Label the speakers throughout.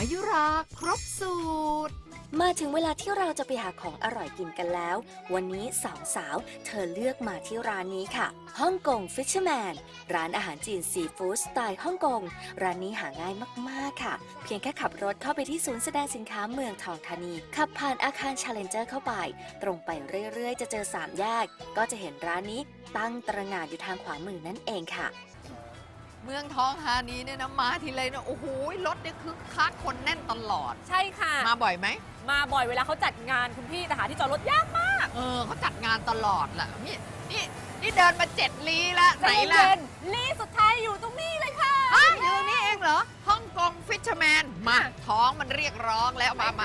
Speaker 1: มายุราครบสูตร
Speaker 2: มาถึงเวลาที่เราจะไปหาของอร่อยกินกันแล้ววันนี้สองสาวเธอเลือกมาที่ร้านนี้ค่ะฮ่องกง Fisherman ร้านอาหารจีนซีฟู้ดสไตล์ฮ่องกงร้านนี้หาง่ายมากๆค่ะเพียงแค่ขับรถเข้าไปที่ศูนย์แสดงสินค้าเมืองทองธานีขับผ่านอาคาร Challenger เข้าไปตรงไปเรื่อยๆจะเจอ3แยกก็จะเห็นร้านนี้ตั้งตระหง่านอยู่ทางขวามือนั่นเองค่ะ
Speaker 1: เมืองทองธานีเนี่ยนะมาทีไรเนี่ยโอ้โหรถเนี่ยคึกคักคนแน่นตลอด
Speaker 3: ใช่ค่ะ
Speaker 1: มาบ่อยไหม
Speaker 3: มาบ่อยเวลาเขาจัดงานคุณพี่แต่หาที่จอดรถยากมาก
Speaker 1: เขาจัดงานตลอดแหละนี่เดินมา7 ลี้ละไหนล่ะ
Speaker 3: ลี้สุดท้ายอยู่ตรงนี้เลยค่ะ
Speaker 1: อยู่นี่เองเหรอฮ่องกงฟิชเชอร์แมนมาท้องมันเรียกร้องแล้วมา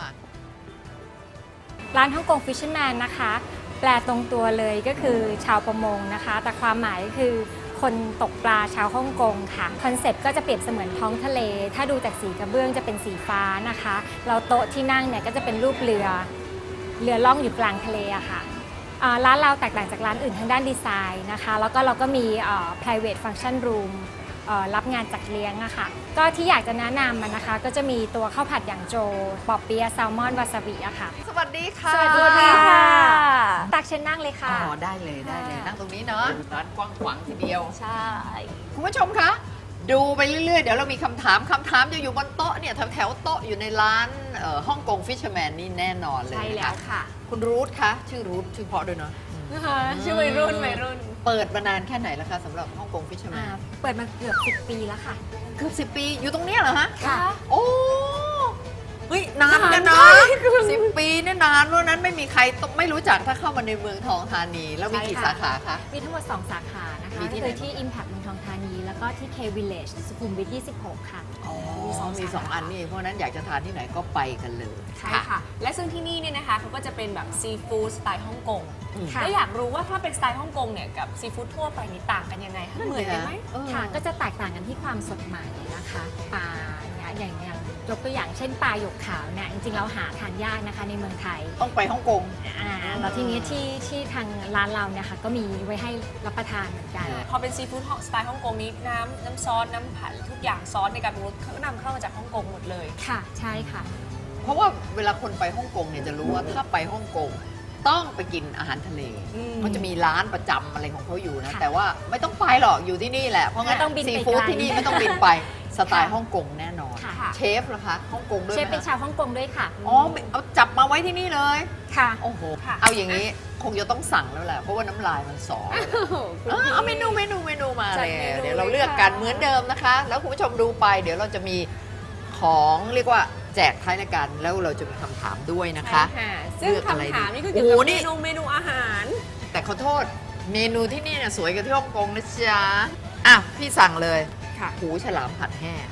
Speaker 4: ร้านฮ่องกงฟิชเชอร์แมนนะคะแปลตรงตัวเลยก็คือชาวประมงนะคะแต่ความหมายคือคนตกปลาชาวฮ่องกงค่ะคอนเซ็ปต์ก็จะเปรียบเสมือนท้องทะเลถ้าดูจากสีกระเบื้องจะเป็นสีฟ้านะคะเราโต๊ะที่นั่งเนี่ยก็จะเป็นรูปเรือล่องอยู่กลางทะเลอะค่ะร้านเราแตกต่างจากร้านอื่นทางด้านดีไซน์นะคะแล้วก็เราก็มีprivate function room รับงานจัดเลี้ยงอะค่ะก็ที่อยากจะแนะนำมันนะคะก็จะมีตัวข้าวผัดหยางโจปอเปี๊ยะแซลมอนวาซาบิอะค่ะ
Speaker 1: สวัสดีค่ะ
Speaker 4: สวัสดีค่ะตักเชิญนั่งเลยค่ะ
Speaker 1: ได้เลยนั่งตรงนี้เนาะร้านกว้างขวางทีเดียว
Speaker 4: ใช่
Speaker 1: คุณผู้ชมคะดูไปเรื่อยๆเดี๋ยวเรามีคำถามจะอยู่บนโต๊ะเนี่ยแถวโต๊ะอยู่ในร้านฮ่องกงฟิชเชอร์แมนนี่แน่นอนเลย
Speaker 3: ใช่แล้วค่ะ
Speaker 1: คุณรูทคะชื่อรูทชื่อเพราะด้วยเนาะ
Speaker 3: ชื่อวัยรุ่น
Speaker 1: เปิดมานานแค่ไหนแล้วคะสำหรับฮ่องกงฟิชเชอร์แมน
Speaker 4: เปิดมาเกือบ10 ปีแล้วค่ะ
Speaker 1: เกือบ10 ปีอยู่ตรงนี้เหรอฮะ
Speaker 4: ค่ะ
Speaker 1: โอ้เฮ้ยนานกันนะ10 ปีเนี่ยนานเพราะนั้นไม่มีใครไม่รู้จักถ้าเข้ามาในเมืองทองธานีแล้วมีกี่สาขาคะ
Speaker 4: มีทั้งหมด2สาขานะคะคือที่ Impact เมืองทองธานีแล้วก็ที่ K Village สุขุมวิท26ค่ะ
Speaker 1: มี2 อันนี่เพราะนั้นอยากจะทานที่ไหนก็ไปกันเลย
Speaker 3: ใช่ค่ะและซึ่งที่นี่เนี่ยนะคะเขาก็จะเป็นแบบซีฟู้ดสไตล์ฮ่องกงแล้วอยากรู้ว่าถ้าเป็นสไตล์ฮ่องกงเนี่ยกับซีฟู้ดทั่วไปนี่ต่างกันยังไงคะเหมือนกันไหม
Speaker 4: ค่ะก็จะแตกต่างกันที่ความสดใหม่นะคะปลาอย่างยกตัวอย่างเช่นปลาหยกขาวเนี่ยจริงๆเราหาทานยากนะคะในเมืองไทย
Speaker 1: ต้องไปฮ่องกง
Speaker 4: แล้วทีนี้ที่ทางร้านเราเนี่ยค่ะก็มีไว้ให้รับประทานเหมือนกัน
Speaker 3: พอเป็นซีฟู้ดสไตล์ฮ่องกงนี้น้ำซอสน้ำผัดทุกอย่างซอสในการปรุงรสเขานำเข้ามาจากฮ่องกงหมดเลย
Speaker 4: ค่ะใช่ค่ะ
Speaker 1: เพราะว่าเวลาคนไปฮ่องกงเนี่ยจะรู้ว่าถ้าไปฮ่องกงต้องไปกินอาหารทะเลมันจะมีร้านประจำอะไรของเขาอยู่นะแต่ว่าไม่ต้องไปหรอกอยู่ที่นี่แหละเพราะงั้นซีฟู้ดที่นี่ไม่ต้องบินไปสไตล์ฮ่องกงแน่นอนเชฟเหรอคะฮ่องกงด้วย
Speaker 4: เชฟเป็นชาวฮ่องกงด้วยค่ะ
Speaker 1: อ๋อเอาจับมาไว้ที่นี่เลย
Speaker 4: ค่ะ
Speaker 1: โอ้โหเอาอย่างนี้คงจะต้องสั่งแล้วแหละเพราะว่าน้ำลายมันสอเอาเมนูมาเลยเดี๋ยวเราเลือกกันเหมือนเดิมนะคะแล้วคุณผู้ชมดูไปเดี๋ยวเราจะมีของเรียกว่าแจกท้ายรายการแล้วเราจะมีคำถามด้วยนะคะ
Speaker 3: ซึ่งคำถามนี่คือเกี่ยวกับเมนูอาหาร
Speaker 1: แต่ขอโทษเมนูที่นี่เนี่ยสวยกว่าที่ฮ่องกงนะจ๊ะอ่ะพี่สั่งเลยหูฉลามผัดแห้ง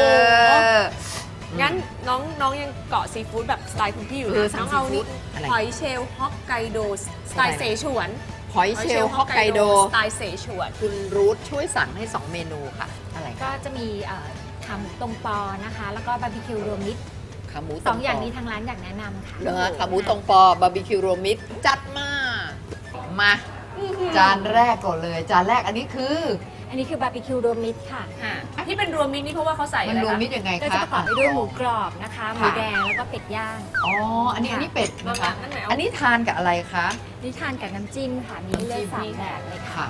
Speaker 3: งั้นน้องยังเกาะซีฟู้ดแบบสไตล์คุณพี่อยู่เลยน้องเอานี่หอยเชลล์ฮอกไกโดสไตล์เสฉวน
Speaker 1: หอยเชลล์ฮอกไกโด
Speaker 3: สไตล์เสฉวน
Speaker 1: คุณรูทช่วยสั่งให้2 เมนูค่ะอะไร
Speaker 4: ก็จะมีขาหมูตรงปอนะคะแล้วก็บาร์บีคิวรวมมิตร
Speaker 1: ขาหมู
Speaker 4: 2 อย่างนี้ทางร้านอยากแนะนำค่ะ
Speaker 1: ขาหมูตรงปอบาร์บีคิวรวมมิตรจัดมาจานแรกก่อนเลยจานแรกอันนี้คื
Speaker 4: อบาร์บีคิวรวมมิตรค่ะ
Speaker 3: ที่เป็นรวมมิตรนี่เพราะว่าเขาใส่
Speaker 1: มันรวมมิตรยังไงคะ
Speaker 4: ก็จะประกอบไปด้วยหมูกรอบนะคะหมูแดงแล้วก็เป็ดย่าง
Speaker 1: อ๋ออันนี้เป็ดนะคะอันนี้ทานกับอะไรคะ
Speaker 4: นี่ทานกับน้ำจิ้มค่ะมีเลือด3 แบบเลยค่ะ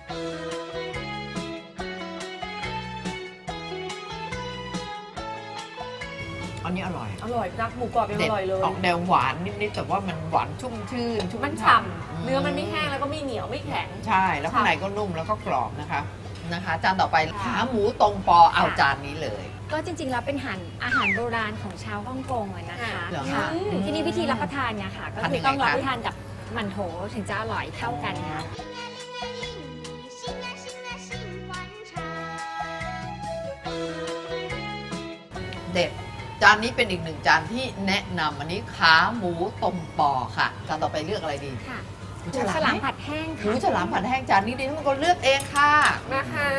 Speaker 1: อันนี้อร่อย
Speaker 3: นะหมูกรอบยังอร่อยเลย
Speaker 1: ออกแนวหวานนิดๆแต่ว่ามันหวานชุ่มชื่น
Speaker 3: มันฉ่ำเนื้อมันไม่แห้งแล้วก็ไม่เหนียวไม่แข็ง
Speaker 1: ใช่แล้วข้างในก็นุ่มแล้วก็กรอบนะคะจานต่อไปขาหมูตรงปอเอาจานนี้เลย
Speaker 4: ก็จริงๆแล้วเป็นอาหารโบราณของชาวฮ่องกงนะคะที่นี่วิธีรับประทานเนี่ยค่ะก็คือต้องรับประทานกับหมั่นโถถึงจะอร่อยเท่ากันนะ
Speaker 1: เด็ดจานนี้เป็นอีก1 จานที่แนะนำอันนี้ขาหมูต้มปอค่ะจานต่อไปเลือกอะไรดี
Speaker 4: ค่ะหมูฉลามผัดแห้ง
Speaker 1: หมูฉลามผัดแห้งจานนี้ดิฉันก็เลือกเองค่ะ
Speaker 3: มาค่ะ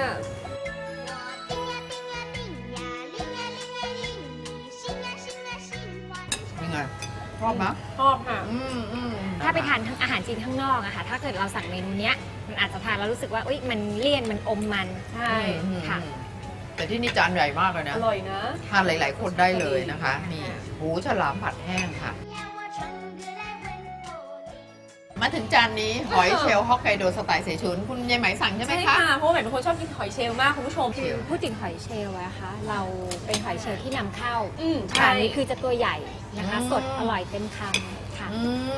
Speaker 1: เป็นไงชอบไหม
Speaker 3: ชอบค่ะ
Speaker 4: ถ้าไปทานอาหารจีนข้างนอกอะค่ะถ้าเกิดเราสั่งเมนูเนี้ยมันอาจจะทานแล้วรู้สึกว่ามันเลี่ยนมันอมมัน
Speaker 3: ใช่
Speaker 4: ค่ะ
Speaker 1: แต่ที่นี่จานใหญ่มากเลยนะ
Speaker 3: อร่อยนะ
Speaker 1: ทานหลาย ๆ คนได้เลยนะคะนี่หูฉลามผัดแห้งค่ะ มาถึงจานนี้หอยเชลล์ฮอกไกโดสไตล์เสฉวนคุณยายไหมสั่งใช่ไหม
Speaker 3: ใช่
Speaker 1: คะ
Speaker 3: ค่ะเพราะว่าใหม่เป็นคนชอบกินหอยเชลล์มากคุณผู้ชม
Speaker 4: คือพูดถึงหอยเชลล์อะคะเราเป็นหอยเชลล์ที่นำเข้า
Speaker 3: ใช่
Speaker 4: อันนี้คือจะตัวใหญ่นะคะ
Speaker 1: อืม
Speaker 4: สดอร่อยเต็มคำค่ะ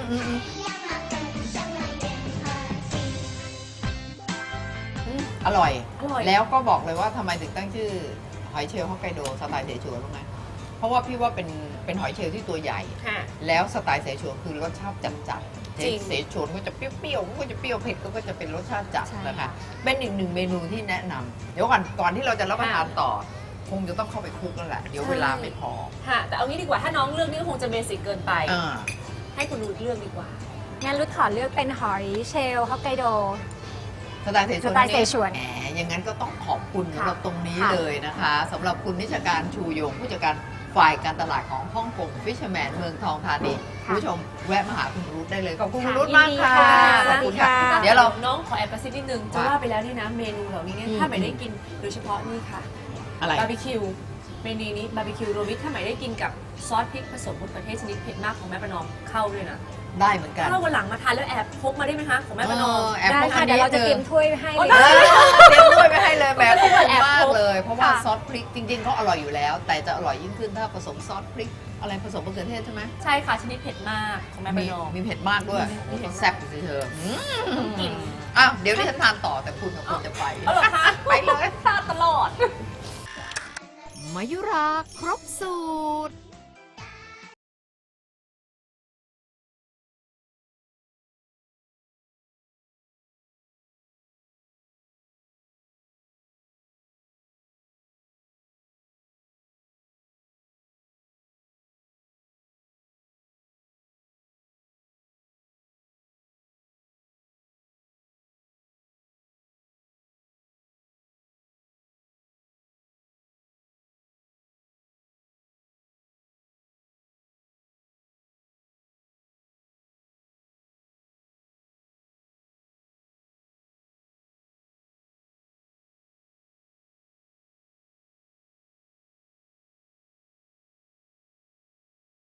Speaker 1: อร่อย
Speaker 3: อร่อย
Speaker 1: แล้วก็บอกเลยว่าทำไมถึงตั้งชื่อหอยเชลล์ฮอกไกโดสไตล์เสฉวนรู้ไหมเพราะว่าพี่ว่าเป็นหอยเชลล์ที่ตัวใหญ่
Speaker 3: ค่ะ
Speaker 1: แล้วสไตล์เสฉวนคือรสชาติจัดๆ
Speaker 3: จริง
Speaker 1: เสฉวนก็จะเปรี้ยวๆก็จะเปรี้ยวเผ็ดก็จะเป็นรสชาติจัด
Speaker 4: ใช่
Speaker 1: นะคะ เป็นอีกหนึ่งเมนูที่แนะนำเดี๋ยวก่อนที่เราจะรับประทานต่อ คงจะต้องเข้าไปคลุกแล้วแหละเดี๋ยวเวลาไม่พอ
Speaker 3: ค่ะ แต่เอางี้ดีกว่าถ้าน้องเลือกนี่ก็คงจะเบสิกเกินไป
Speaker 1: อ่า
Speaker 3: ให้คุณรูดเลือกดีกว่า
Speaker 4: งั้นรุดขอเลือกเป็นหอยเชลล์ฮอกไกโด
Speaker 1: สไตล์เสฉวน
Speaker 4: สไตล์เสฉวน
Speaker 1: แหมอย่างนั้นก็ต้องขอบคุณ
Speaker 4: ค่ะ
Speaker 1: สำหรับตรงนี้
Speaker 4: ค่ะ
Speaker 1: เลยนะคะสำหรับคุณนิชการชูยงผู้จัดการฝ่ายการตลาดของฮ่องกงฟิชเชอร์แมนเมืองทองธานีคุณผู้ชมแวะมาหาคุณรุธได้เลยขอบคุณคุณรุธมากค่ะ
Speaker 4: ยินดีค่ะ
Speaker 1: ขอบคุณค่ะ
Speaker 4: สวัสดีค่ะ
Speaker 1: เดี๋ยวเรา
Speaker 3: น้องขอแอบกระซิบนิดนึงจะ
Speaker 1: ว่า
Speaker 3: ว่าไปแล้วนี่นะเมนูเหล่านี้เนี่ย
Speaker 1: อืม
Speaker 3: ถ้าไม่ได้กินโดยเฉพาะนี่ค่ะ
Speaker 1: อะไร
Speaker 3: บาร์บีคิวเมนูนี้บาร์บีคิวโรบิทถ้าไม่ได้กินกับซอสพริกผสมมะเขือเทศชนิดเผ็ดมากของแม่ประนอมเข้าด้วยนะ
Speaker 1: ได้เหมือนกัน
Speaker 3: ถ้าวันหลังมาทานแล้วแอบพกมาได้ไหมคะของแม่ประนอม
Speaker 1: แอบ
Speaker 4: ได้
Speaker 1: พก
Speaker 4: ค่ะ
Speaker 1: อัน
Speaker 4: เดี๋ยว
Speaker 1: นี้
Speaker 4: เราจะเตรียมถ้วยให้
Speaker 3: โอ้
Speaker 4: เลย
Speaker 3: ได้
Speaker 1: เตรียมด้วยไปให้เลยแหมขอบคุณ
Speaker 3: แอบ
Speaker 1: มาก
Speaker 3: พก
Speaker 1: เลย เพราะว่า
Speaker 4: ค่ะ
Speaker 1: ซอสพริกจริงๆเขาอร่อยอยู่แล้ว แต่จะอร่อยยิ่งขึ้นถ้าผสมซอสพริกอะไรผสมมะเขือเทศใช่ไหม
Speaker 3: ใช่ค่ะชนิดเผ็ดมากของแม่ประ
Speaker 1: มี
Speaker 3: นอม
Speaker 1: มีเผ็ดมากด้วย
Speaker 3: มีเผ็ด
Speaker 1: แซ่บสิเธอ
Speaker 3: กิน
Speaker 1: อ้าวเดี๋ยวดิฉันทานต่อแต่คุณกับคุณจะไป
Speaker 3: เอาเหรอคะ
Speaker 1: ไปเลย
Speaker 3: พลาดตลอด
Speaker 1: มายุราครบสูตร